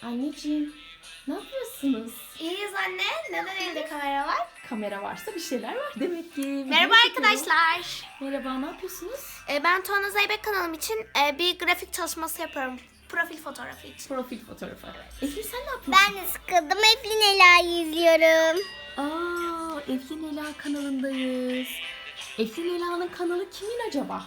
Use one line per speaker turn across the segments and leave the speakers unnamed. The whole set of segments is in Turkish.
Anneciğim, ne yapıyorsunuz?
İyiyiz anne. Neden elinde kamera var?
Kamera varsa bir şeyler var demek ki.
Merhaba
Video çekiyorum.
arkadaşlar.
Merhaba, ne yapıyorsunuz?
Ben Tuana Zeybek kanalım için bir grafik çalışması yapıyorum. Profil fotoğrafı için.
Profil fotoğrafı. Eflin sen ne yapıyorsun?
Ben de sıkıldım. Eflin Ela'yı izliyorum.
Aa, Eflin Ela kanalındayız. Eflin Ela'nın kanalı kimin acaba?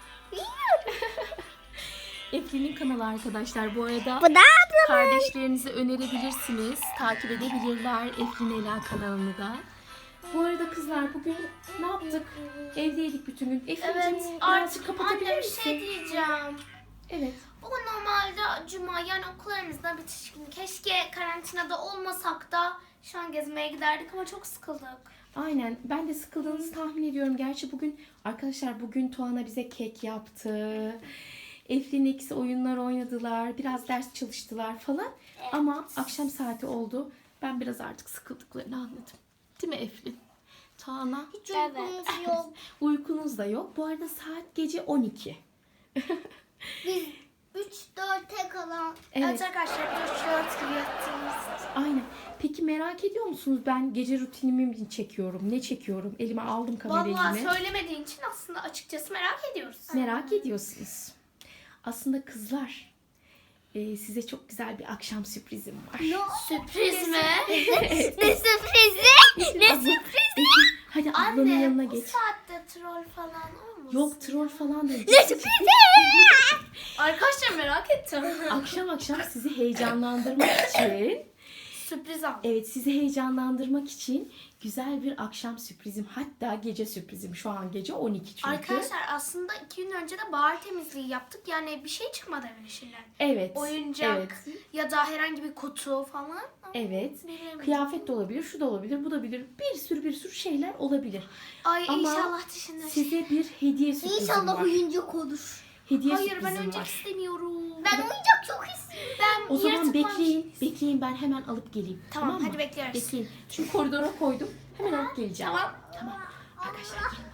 Eflin'in kanalı arkadaşlar. Bu arada
Bu da ablamın.
kardeşlerinize önerebilirsiniz. Takip edebilirler Eflin Ela kanalını da. Bu arada kızlar bugün ne yaptık? Evdeydik bütün gün. Eflin'cim birazcık kapatabilir
anne bir
misin?
şey diyeceğim.
Evet.
Bugün normalde cuma yani okullarımızda bitiş günü. Keşke karantinada olmasak da şu an gezmeye giderdik ama çok sıkıldık.
Aynen. Ben de sıkıldığınızı tahmin ediyorum. Gerçi bugün arkadaşlar Tuana bize kek yaptı. Eflin ikisi oyunlar oynadılar. Biraz ders çalıştılar falan. Ama akşam saati oldu. Ben biraz artık sıkıldıklarını anladım. Değil mi Eflin? Tuana?
Hiç uykumuz yok.
Uykunuz da yok. Bu arada saat gece 12.
Biz 3-4'e kalan.
Evet arkadaşlar 4 gibi yattığımız.
Aynen. Peki merak ediyor musunuz? Ben gece rutinimi mi çekiyorum? Ne çekiyorum? Elime aldım kamerayı
Vallahi
yine.
söylemediğin için aslında açıkçası merak ediyoruz.
Merak ediyorsunuz. Aslında kızlar size çok güzel bir akşam sürprizim var.
Sürpriz mi?
Ne sürprizi? Ne
Abla-
sürprizi?
Hadi ablanın
Anne
yanına
bu
geç.
saatte troll falan olmasın?
Yok troll falan değil.
Ne sürprizi?
Arkadaşlar merak ettim.
Akşam akşam sizi heyecanlandırmak için,
Sürpriz al.
evet sizi heyecanlandırmak için güzel bir akşam sürprizim. Hatta gece sürprizim. Şu an gece 12 çünkü.
Arkadaşlar aslında 2 gün önce de bahar temizliği yaptık. Yani bir şey çıkmadı evin içinden.
Evet.
Oyuncak
Evet.
ya da herhangi bir kutu falan.
Evet.
Bilemedim.
Kıyafet de olabilir, şu da olabilir, bu da olabilir. Bir sürü şeyler olabilir.
Ay
Ama
inşallah dışında.
Size bir hediye sürprizim
İnşallah
var.
oyuncak olur.
Hediye
Hayır ben
sürprizim
oyuncak
var.
istemiyorum.
Ben oyuncak çok istiyorum.
Ben
O zaman
yaratık
bekleyin.
varmış.
Bekleyin ben hemen alıp geleyim.
Tamam,
mı?
hadi bekliyoruz.
Bekleyin. Şu koridora koydum. Hemen alıp geleceğim.
Tamam.
Tamam. Arkadaşlar gelin.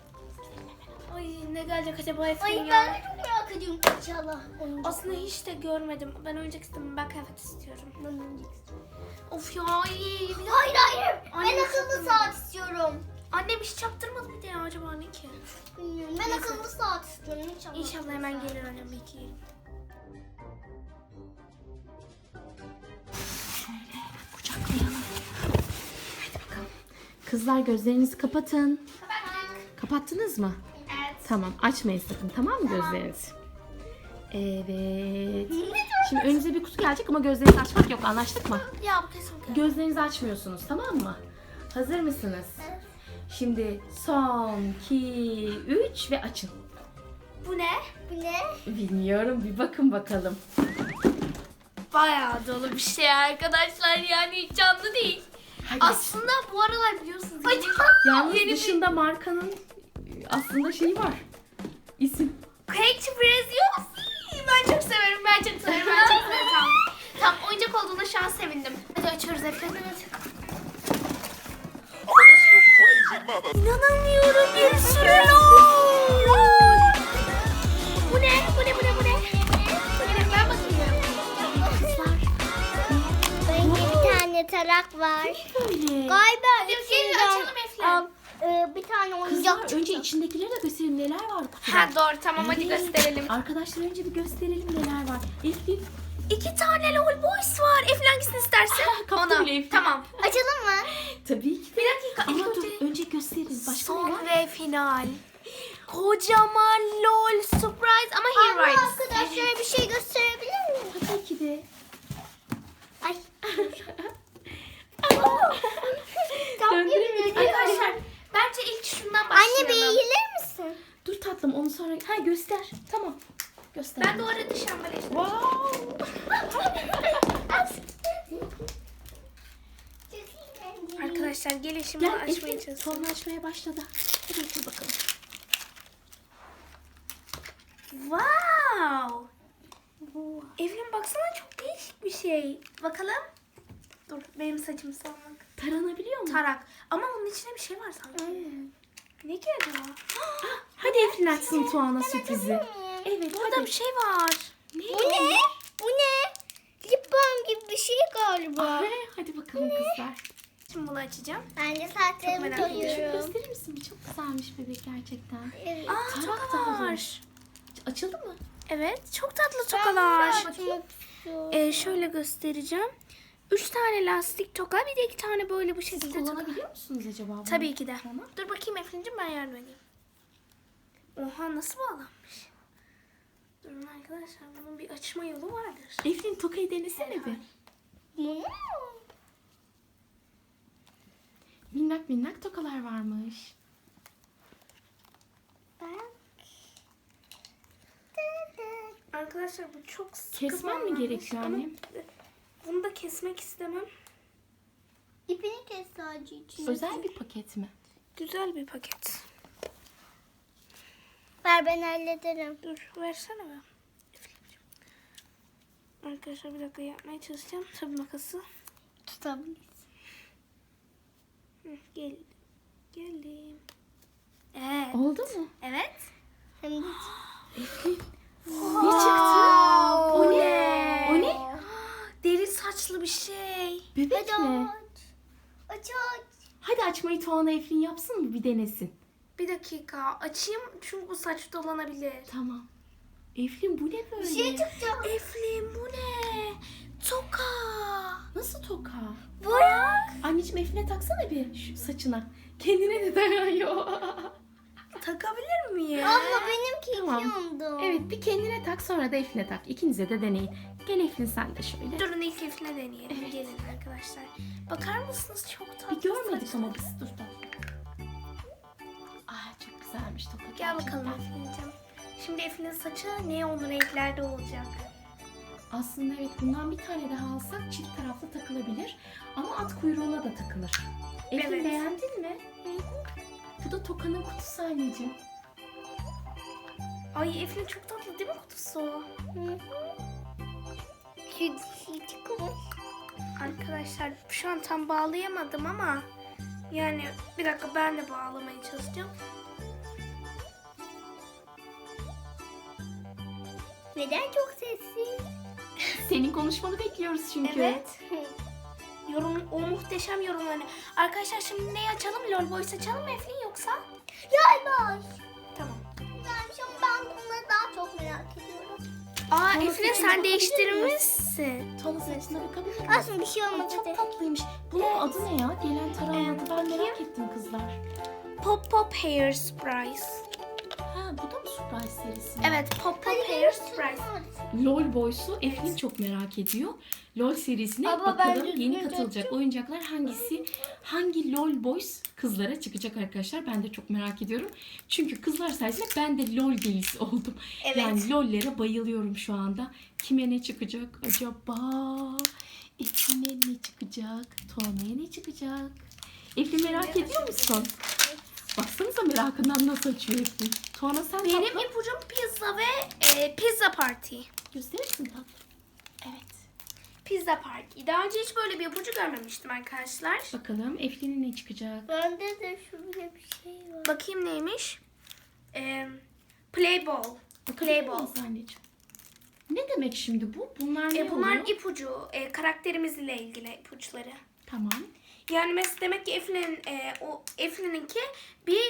Ay ne gelecek acaba
Ay
Efendim
ben
ya?
de çok merak ediyorum. İnşallah oyuncak.
Aslında hiç de görmedim. Ben oyuncak istemiyorum. Ben kıyafet istiyorum.
Ben oyuncak istiyorum.
Of ya iyi.
Hayır hayır.
Anne,
Ben akıllı saat istiyorum.
Annem hiç çaktırmadı bir de ya acaba ne ki?
Bilmiyorum. Ben akıllı saat istiyorum. İnşallah.
İnşallah hemen gelir annem bekleyelim.
Kucaklayalım. Hadi bakalım. Kızlar gözlerinizi kapatın. Kapattınız mı?
Evet.
Tamam. Açmayın sakın. Tamam mı gözlerinizi? Evet. Şimdi önünüze bir kutu gelecek ama gözlerinizi açmak yok. Anlaştık mı?
Ya bu kesin kıyafet.
Gözlerinizi açmıyorsunuz. Tamam mı? Hazır mısınız? Şimdi son 2, 3 ve açın.
Bu ne?
Bu ne?
Bilmiyorum. Bir bakın bakalım.
Bayağı dolu bir şey arkadaşlar yani hiç canlı değil.
Hadi.
Aslında bu aralar biliyorsunuz.
Yalnız
yeni bir-
dışında markanın aslında şeyi var. İsim.
Cake sürpriz yok. Ben çok severim. Ben çok severim. Ben çok severim. Tamam. Tamam oyuncak olduğuna şu an sevindim. Hadi açıyoruz efendim. İnanamıyorum bir sürü lol. Bu ne? Bu ne? Bu ne? Bu ne? Bu ne? Ben bakıyorum. Kızlar.
Bence bir tane tarak var.
Böyle.
Galiba
Hadi gelin
içinden,
açalım Eflem.
bir tane oyuncak
Kızlar önce içindekileri de gösterelim neler var kutuda.
Ha doğru tamam hadi
Evet.
gösterelim.
Arkadaşlar önce bir gösterelim neler var. Eflin.
2 tane lol boys var. Eflin hangisini istersen.
Kaptı bile Eflin.
Tamam.
açalım mı?
Tabii ki de.
Bir dakika,
Ama
ilk
dur
önce-
önce gösterin. Başka ne
Son
var?
ve final. Kocaman lol surprise ama here
Abla
rides.
arkadaşlara bir şey gösterebilir miyim?
Tabii ki de.
Ay.
Döndüremedik.
Arkadaşlar bence ilk şundan başlayalım.
Anne bir eğilir misin?
Dur tatlım onu sonra. Ha göster. Tamam. Göster.
Ben de o arada şambala işte.
Wow.
Arkadaşlar gelin şimdi
Gel
açmaya
Eflin.
çalışalım.
Sonra açmaya başladı. Hadi Eflin bakalım.
Wow. Eflin baksana çok değişik bir şey. Bakalım. Dur benim saçım salmak.
Taranabiliyor mu?
Tarak. Ama onun içinde bir şey var sanki. Ne ki acaba?
Hadi Eflin açsın Tuana sürprizi. Evet
Burada
hadi.
bir şey var.
Bu ne? Bu ne? Lip balm gibi bir şey galiba.
Ay, hadi bakalım kızlar.
Şimdi bunu açacağım.
Ben de
Çok
saçlarımı
merak
Şunu
koyuyorum.
gösterir misin? Bir çok güzelmiş bebek gerçekten.
Evet.
Aa
Tarak
tokalar.
Açıldı mı?
Evet çok tatlı
Ben
tokalar.
bunu açmak istiyorum.
Şöyle göstereceğim. 3 tane lastik toka bir de 2 tane böyle bu
Siz
şekilde toka.
kullanabiliyor musunuz acaba bunu?
Tabii ki de.
Tamam.
Dur bakayım Efrin'cim ben yardım edeyim. Oha nasıl bağlanmış? Durun arkadaşlar bunun bir açma yolu vardır.
Eflin tokayı denesene bir.
Bunu
Minnak minnak tokalar varmış.
ben...
Arkadaşlar bu çok sıkı
Kesmen mi
bağlanmış
gerekiyor
ama
annem?
Bunu da kesmek istemem.
İpini kes sadece için.
Özel bir paket mi?
Güzel bir paket.
Ver ben hallederim.
Dur versene be. Efrin'cim. Arkadaşlar bir dakika yapmaya çalışacağım. Tabii makası.
Tutabiliriz.
Hı, geldim. Evet.
Oldu mu?
Evet.
Hem de...
Ne çıktı? O ne? O ne?
Deri saçlı bir şey.
Bebek
Hadi
mi?
aç. Aç aç.
Hadi açmayı Tuana Eflin yapsın mı? Bir denesin.
Bir dakika açayım çünkü bu saç dolanabilir.
Tamam. Eflin bu ne böyle?
Bir şey çıktı.
Eflin bu ne? Toka.
Nasıl toka?
Bırak.
Anneciğim Eflin'e taksana bir şu saçına. Kendine de dayanıyor.
Takabilir miyim?
Abla benimki
Tamam.
yandı.
Evet bir kendine tak sonra da Eflin'e tak. İkinize de deneyin. Gel Eflin sen de şöyle.
Durun ilk Eflin'e deneyelim. Gelin arkadaşlar. Bakar mısınız çok tatlı.
Bir görmedik
saç.
ama biz dur da. Aa çok güzelmiş toka.
Gel bakalım
gerçekten.
Eflin'cim. Şimdi Eflin'in saçı neon renklerde olacak.
Aslında evet bundan bir tane daha alsak çift taraflı takılabilir. Ama at kuyruğuna da takılır. Eflin
Evet.
beğendin mi? Bu da tokanın kutusu anneciğim.
Ay Eflin çok tatlı değil mi kutusu?
Şu dişi çıkmış.
Arkadaşlar şu an tam bağlayamadım ama yani bir dakika ben de bağlamaya çalışacağım.
Neden çok sessiz?
Senin konuşmanı bekliyoruz çünkü.
Evet. O muhteşem yorumlarını. Arkadaşlar şimdi neyi açalım? LOL Boys açalım mı Eflin yoksa?
Yay boş.
Tamam.
Güzelmiş ama ben bunları daha çok merak ediyorum.
Aa
Sonra
Eflin
saçına
sen
bakabilir
değiştirmişsin.
Tuana saçına bakabilir misin?
Aslında bir şey
Ay,
olmadı.
çok tatlıymış. Bunun adı ne ya? Gelen tarağın adı ben merak ettim kızlar.
Pop Pop Hair Surprise.
Ha bu da mı Surprise serisi?
Evet Pop Pop Hair Surprise.
LOL Boys'u Eflin çok merak ediyor. LOL serisine
Abla, ben
bakalım
düzgün
yeni katılacak
tutacağım.
oyuncaklar hangi LOL Boys kızlara çıkacak arkadaşlar. Ben de çok merak ediyorum. Çünkü kızlar sayesinde ben de LOL delisi oldum.
Evet.
Yani LOL'lere bayılıyorum şu anda. Kime ne çıkacak acaba? Eflin'e ne çıkacak? Tuana'ya ne çıkacak? Eflin merak ediyor musun? Baksanıza merakından nasıl açıyor Eflin. Tuana sen
Benim
tatlı.
ipucum pizza ve pizza party.
Gösterirsin tatlım. Evet.
Pizza party. Daha önce hiç böyle bir ipucu görmemiştim arkadaşlar.
Bakalım Eflin'e ne çıkacak?
Bende de şöyle bir şey var.
Bakayım neymiş? Playball.
Bakabilir
Playball.
miyiz anneciğim? Ne demek şimdi bu? Bunlar ne
Bunlar
oluyor?
ipucu. Karakterimizle ilgili ipuçları.
Tamam.
Yani mesela demek ki Eflin'inki bir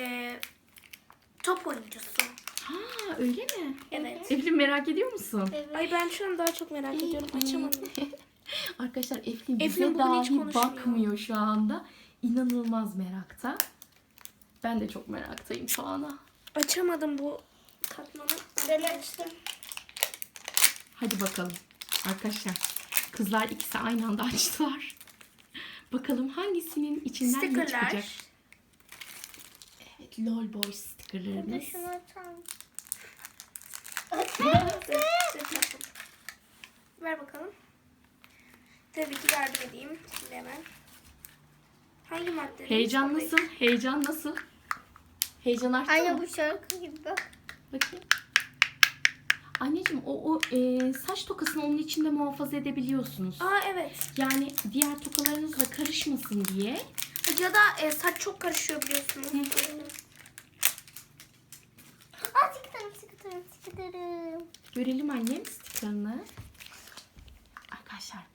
top oyuncusu.
Ha öyle mi?
Evet.
Eflin merak ediyor musun?
Evet.
Ay ben şu an daha çok merak ediyorum. Açamadım.
Arkadaşlar Eflin bize
Eflin bugün hiç
dahi
konuşmuyor.
bakmıyor şu anda. İnanılmaz merakta. Ben de çok meraktayım şu ana.
Açamadım bu katmanı.
Ben açtım.
Hadi bakalım. Arkadaşlar kızlar ikisi aynı anda açtılar. Bakalım hangisinin içinden ne çıkacak?
Stickerlar.
Evet LOL Boys stickerlarımız.
Şunu açalım.
Ver bakalım. Tabii ki yardım edeyim. Şimdi hemen. Hangi madde?
Heyecan nasıl? Heyecan nasıl? Heyecan arttı
Anne
mı?
bu şarkı gibi bak.
Bakayım. Anneciğim o saç tokasını onun içinde muhafaza edebiliyorsunuz.
Aa evet.
Yani diğer tokalarınızla karışmasın diye.
Ya da saç çok karışıyor biliyorsunuz.
Aa sıkıtırım.
Görelim annem stickerını. Arkadaşlar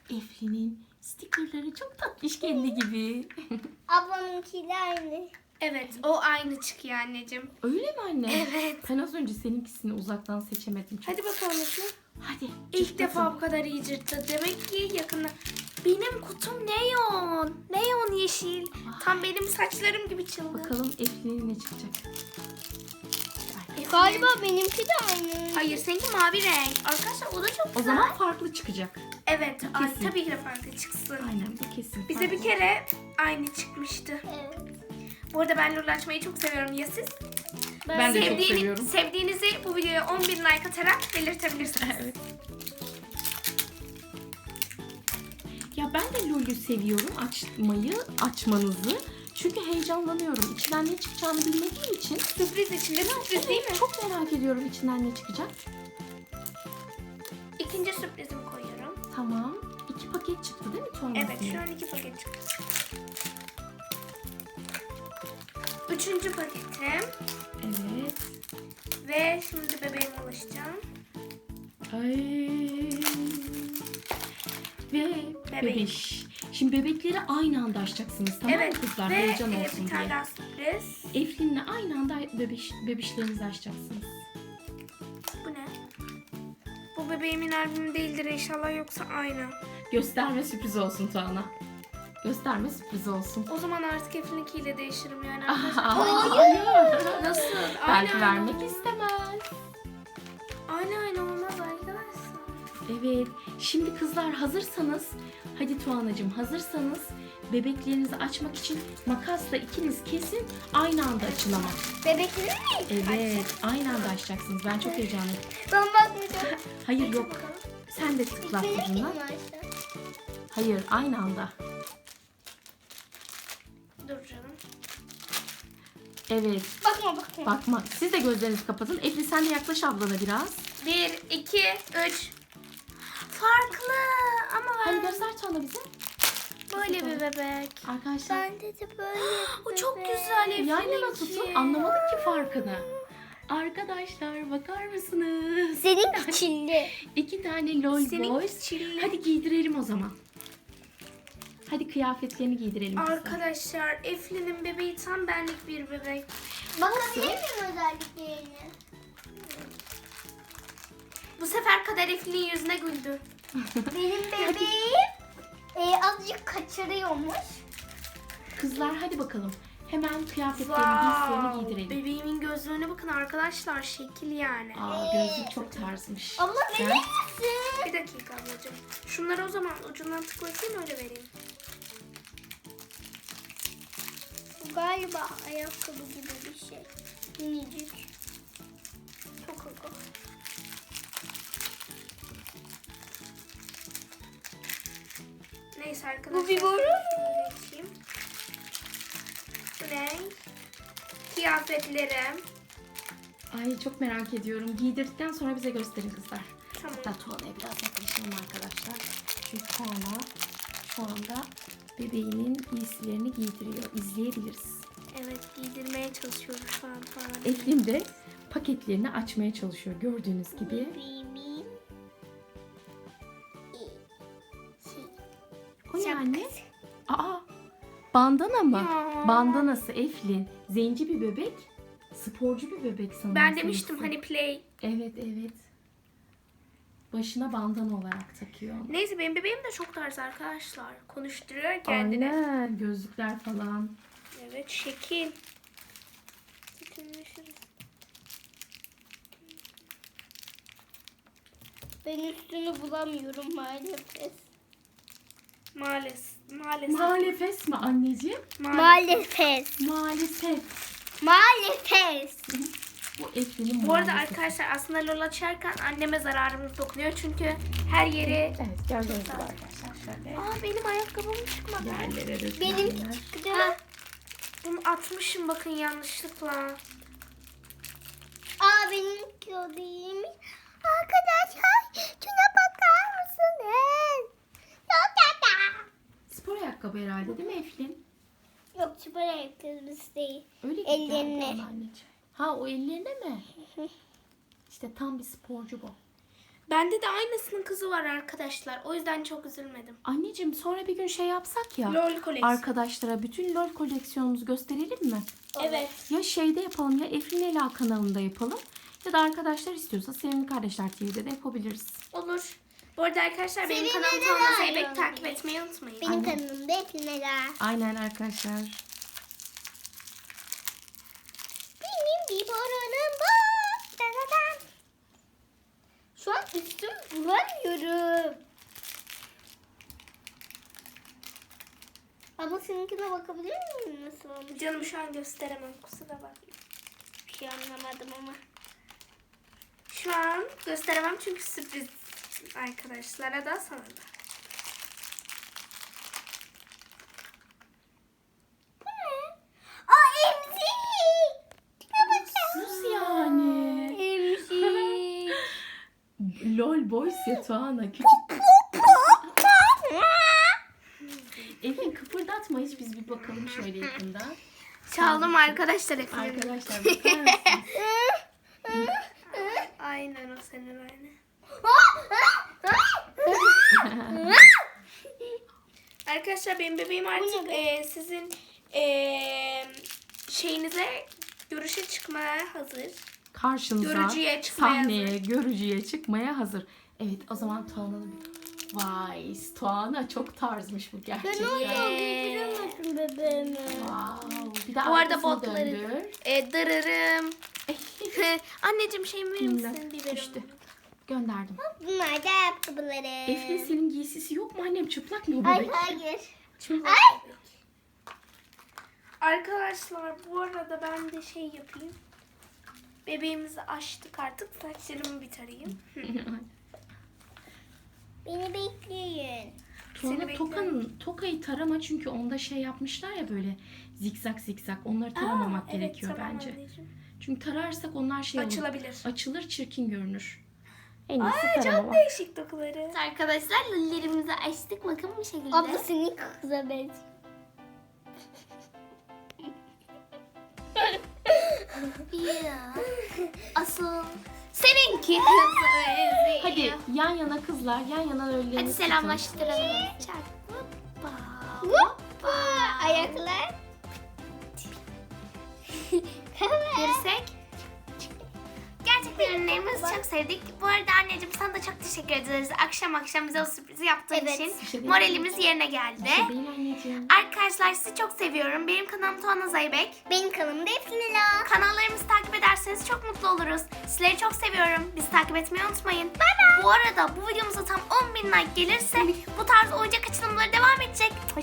Eflin'in stikerleri çok tatlış kendi gibi.
Ablamınkiyle aynı.
Evet, o aynı çıkıyor anneciğim.
Öyle mi anne?
Evet.
Ben az önce seninkisini uzaktan seçemedim. Çok.
Hadi bakalım Eflin.
Hadi.
İlk
cırt
defa
bakalım.
bu kadar iyi cırttı. Demek ki yakında. Benim kutum neon. Neon yeşil. Tam benim saçlarım gibi çılgın.
Bakalım Eflin'in ne çıkacak.
Eflin.
Galiba benimki de aynı.
Hayır, seninki mavi renk. Arkadaşlar o da çok
O
güzel.
zaman farklı çıkacak.
Evet, ay,
Kesin.
tabii ki de farklı çıksın.
Aynen bu kesin.
Bize bir
farklı.
kere aynı çıkmıştı.
Evet.
Bu arada ben lol açmayı çok seviyorum. Ya siz?
Ben de çok seviyorum.
Sevdiğinizi bu videoya 10.000 like atarak belirtebilirsiniz.
Evet. Ya ben de LOL'ü seviyorum açmanızı. Çünkü heyecanlanıyorum. İçinden ne çıkacağını bilmediğim için.
Sürpriz içinde sürpriz değil mi?
Çok merak ediyorum içinden ne çıkacak.
İkinci sürprizimi koyuyorum.
Tamam. 2 paket çıktı değil mi Tuğan'ın?
Evet, şu an 2 paket çıktı. Üçüncü paketim.
Evet.
Ve şimdi bebeğime ulaşacağım.
Ay. Ve bebeş. Şimdi bebekleri aynı anda açacaksınız tamam
Evet
mı kızlar?
ve
Heyecan olsun
bir tane
diye.
daha sürpriz.
Eflin'le aynı anda bebişlerinizi açacaksınız.
Bu ne? Bu bebeğimin albümü değildir inşallah, yoksa aynı.
Gösterme sürpriz olsun Tuğan'a. Gösterme sürpriz olsun.
O zaman artık Eflin'inkiyle değişirim yani
Aha,
arkadaşlar.
hayır.
Nasıl?
Belki
Aynı
vermek
aynı.
istemez.
Aynı olmaz arkadaşlar.
Evet. Şimdi kızlar hazırsanız, hadi Tuğan'cığım hazırsanız bebeklerinizi açmak için makasla ikiniz kesin aynı anda açın ama.
Bebekleri mi?
Evet, aynı anda açacaksınız. Ben çok heyecanlıyım.
Ben bakmayacağım.
Hayır yok. Sen de tıkla
Benimki
ucundan.
mi açtı?
Hayır, aynı anda.
Dur canım.
Evet.
Bakma.
Bakma. Siz de gözlerinizi kapatın. Efli sen de yaklaş ablana biraz.
1, 2, 3. Farklı ama
Hadi
ben
göster Tuğan'a bize.
böyle bir bebek.
Arkadaşlar.
Bende de böyle.
O çok güzel Eflin'inki.
Yan yana tutun. Anlamadık ki farkını. Arkadaşlar bakar mısınız?
Senin çilli.
2 tane LOL
Senin
boys.
çilli.
Hadi giydirelim o zaman. Hadi kıyafetlerini giydirelim. kızlar.
Arkadaşlar Eflin'in bebeği tam benlik bir bebek.
Bakabilir miyim özelliklerine?
Bu sefer Kader Eflin'in yüzüne güldü.
Benim bebeğim azıcık kaçırıyormuş.
Kızlar hadi bakalım. Hemen kıyafetlerini, giysilerini giydirelim.
Bebeğimin gözlerine bakın arkadaşlar, şekil yani.
Aa gözlük çok tarzmış.
Abla
Sen-
verir misin?
Bir dakika ablacığım. Şunları o zaman ucundan tıklatayım, öyle vereyim.
Bu galiba ayakkabı gibi bir şey. Minicik.
Çok hızlı. Neyse arkadaşlar.
Bu bir boru.
Geçeyim. Bu ne? Kıyafetlerim.
Ay çok merak ediyorum. Giydirdikten sonra bize gösterin kızlar.
Tamam.
Hatta Tuğan'a biraz yaklaşalım arkadaşlar. Çünkü Tuğan'a şu anda bebeğinin giysilerini giydiriyor. İzleyebiliriz.
Evet, giydirmeye çalışıyorum şu an falan.
Eflin de paketlerini açmaya çalışıyor gördüğünüz gibi.
Bebeğimin
O ne anne? Aa, bandana mı?
Ya.
Bandanası Eflin. Zenci bir bebek. Sporcu bir bebek sanırım.
Ben demiştim
seninkisi.
hani play.
Evet. Başına bandana olarak takıyor.
Neyse benim bebeğim de çok tarz arkadaşlar. Konuşturuyor kendini.
Aynen. Gözlükler falan.
Evet, şekil.
Ben üstünü bulamıyorum maalesef.
Maalesef.
Maalesef mi anneciğim?
Maalesef.
Maalesef.
Maalesef.
Bu Eflin'in
Bu arada
maalesef.
arkadaşlar aslında LOL açarken anneme zararımız dokunuyor. Çünkü her yeri...
Evet gördüğünüz gibi arkadaşlar şöyle.
Aa, benim ayakkabım çıkmadı.
Yerlere dökülenler.
Benim çıktı.
Ha, bunu atmışım bakın yanlışlıkla.
Aa benimki o değilmiş. Arkadaşlar şuna bakar mısınız? Çok tatlı.
Spor ayakkabı herhalde değil mi Eflin?
Yok spor ayakkabısı değil.
Öyle ki
Ellerine.
geldi bana anneciğim. Ha o ellerine mi? İşte tam bir sporcu bu.
Bende de aynısının kızı var arkadaşlar. O yüzden çok üzülmedim.
Anneciğim sonra bir gün şey yapsak ya.
LOL koleksiyon.
Arkadaşlara bütün LOL koleksiyonumuzu gösterelim mi?
Evet.
Ya şeyde yapalım ya Efrin Ela kanalında yapalım. Ya da arkadaşlar istiyorsa Sevimli Kardeşler TV'de de yapabiliriz.
Olur. Bu arada arkadaşlar benim
Senin
kanalım
de
Tuana
var
Zeybek
yani.
takip etmeyi unutmayın.
Benim kanalımda Eflineler.
Aynen arkadaşlar.
Benim bir boranım var. Dadadan. Şu an üstüm bulamıyorum. Abla seninkine bakabilir miyim nasıl olmuş?
Canım şu an gösteremem, kusura bakma.
Bir şey anlamadım ama.
Şu an gösteremem çünkü sürpriz arkadaşlara da sana da.
Bu ne? Aa emzik.
Nasıl yani?
Emzik.
LOL Boys ya Tuana küçük. Efrin kıpırdatma hiç biz bir bakalım şöyle yakından.
Çaldım arkadaşlar efendim.
Arkadaşlar bakar mısınız?
Aynen o senin aynı. Arkadaşlar benim bebeğim artık sizin şeyinize görüşe çıkmaya hazır.
Karşınıza
Görücüye çıkmaya
sahneye, görücüye çıkmaya hazır. Evet o zaman Tuana'nın bir... Vay Tuana çok tarzmış bu gerçekten.
Güldüremedim bebeğimi.
Wow. Bir de
Bu arada
arkasını
botları
döndür.
dırırım. Anneciğim şey verir
Bilmem,
misin biberim?
düştü. Gönderdim.
Bunlar da ayakkabıları.
Efrin senin giysisi yok mu annem? Çıplak mı bu
Ay
bebek?
hayır.
Çıplak bebek. Arkadaşlar bu arada ben de şey yapayım. Bebeğimizi açtık artık. Saçlarımı bir tarayayım.
Beni bekleyin.
Tuana
bekliyorum.
tokayı tarama çünkü onda şey yapmışlar ya böyle zikzak zikzak. Onları taramamak
Evet,
gerekiyor
tamam
bence.
anneciğim.
Çünkü tararsak onlar şey olur.
Açılabilir.
Açılır çirkin görünür. En iyisi
Ay çok
taramamak.
değişik dokuları.
Arkadaşlar lüllerimizi açtık. Bakın bu şekilde. Abla senin kıza benziyor.
Ya. Asıl seninki.
Hadi yan yana kızlar yan yana öllerinizi
Hadi
tutun.
selamlaştıralım. Çak. Hoppa.
Hoppa. Ayaklar.
Girsek. Gerçekten ürünlerimizi çok sevdik. Bu arada anneciğim sana da çok teşekkür ederiz. Akşam bize o sürprizi yaptığın
Evet.
için
Bir şey değil.
moralimiz yerine geldi.
Bir şey değil anneciğim.
Arkadaşlar sizi çok seviyorum. Benim kanalım Tuana Zeybek.
Benim kanalımda Eflineler.
Kanallarımızı takip ederseniz çok mutlu oluruz. Sizleri çok seviyorum. Bizi takip etmeyi unutmayın. Bye bye. Bu arada bu videomuza tam 10.000 like gelirse bu tarz oyuncak açılımları devam edecek.